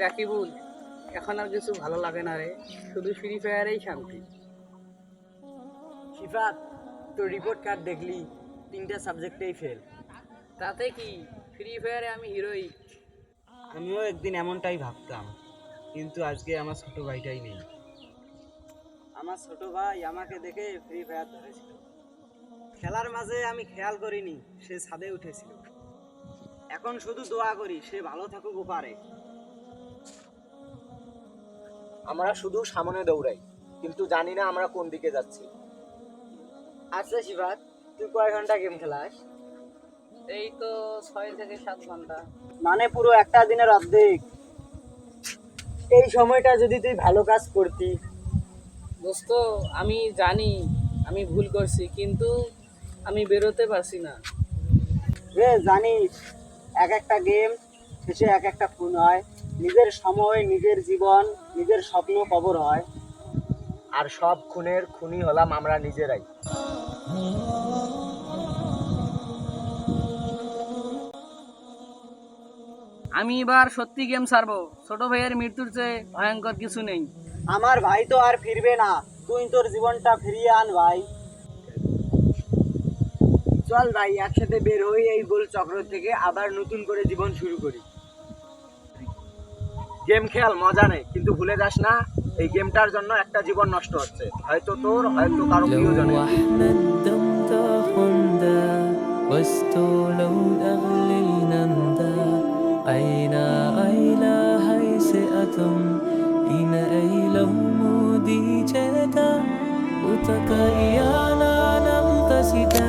রাকিবুল, এখন আর কিছু ভালো লাগে না রে, শুধু ফ্রি ফায়ারেই শান্তি। শিফাত, তোর রিপোর্ট কার্ড দেখলি, 3টা সাবজেক্টেই ফেল। তাতে কি, ফ্রি ফায়ারে আমি হিরোই। আমিও একদিন এমনটাই ভাবতাম, কিন্তু আজকে আমার ছোট ভাইটাই নেই। আমার ছোট ভাই আমাকে দেখে ফ্রি ফায়ার ধরেছিল। খেলার মাঝে আমি খেয়াল করিনি সে ছাদে উঠেছিল। এখন শুধু দোয়া করি সে ভালো থাকুক পারে। আমরা শুধু সামনে দৌড়াই, কিন্তু জানি না আমরা কোন দিকে যাচ্ছি। আচ্ছা শিফাত, তুই কয় ঘন্টা গেম খেলাস? এই তো 6 থেকে 7 ঘন্টা। মানে পুরো একটা দিনের অর্ধেক। এই সময়টা যদি তুই ভালো কাজ করতি। দোস্ত, আমি জানি আমি ভুল করছি, কিন্তু আমি বেরোতে পারছি না। রে জানিস, এক একটা গেম শেষে এক একটা খুন হয়। নিজের সময়, নিজের জীবন, নিজের স্বপ্ন কবর হয়। আর সব খুনের খুনি হলাম আমরা নিজেরাই। আমি এবার সত্যি গেম ছাড়বো। ছোট ভাইয়ের মৃত্যুর চেয়ে ভয়ঙ্কর কিছু নেই। আমার ভাই তো আর ফিরবে না, তুই তোর জীবনটা ফিরিয়ে আন ভাই। চল ভাই, একসাথে বের হই এই গোল চক্র থেকে, আবার নতুন করে জীবন শুরু করি। গেম খেয়াল মজা নেই, কিন্তু ভুলে যাস না এই গেমটার জন্য একটা জীবন নষ্ট হচ্ছে, হয়তো তোর, হয়তো কারো প্রিয়জনের। لو احنا الدم تاخندا واستولوا أغلينا ندا أينا أيلا هاي سئتم إنا أيلو مودي جدا وتكايانا نم تسيدا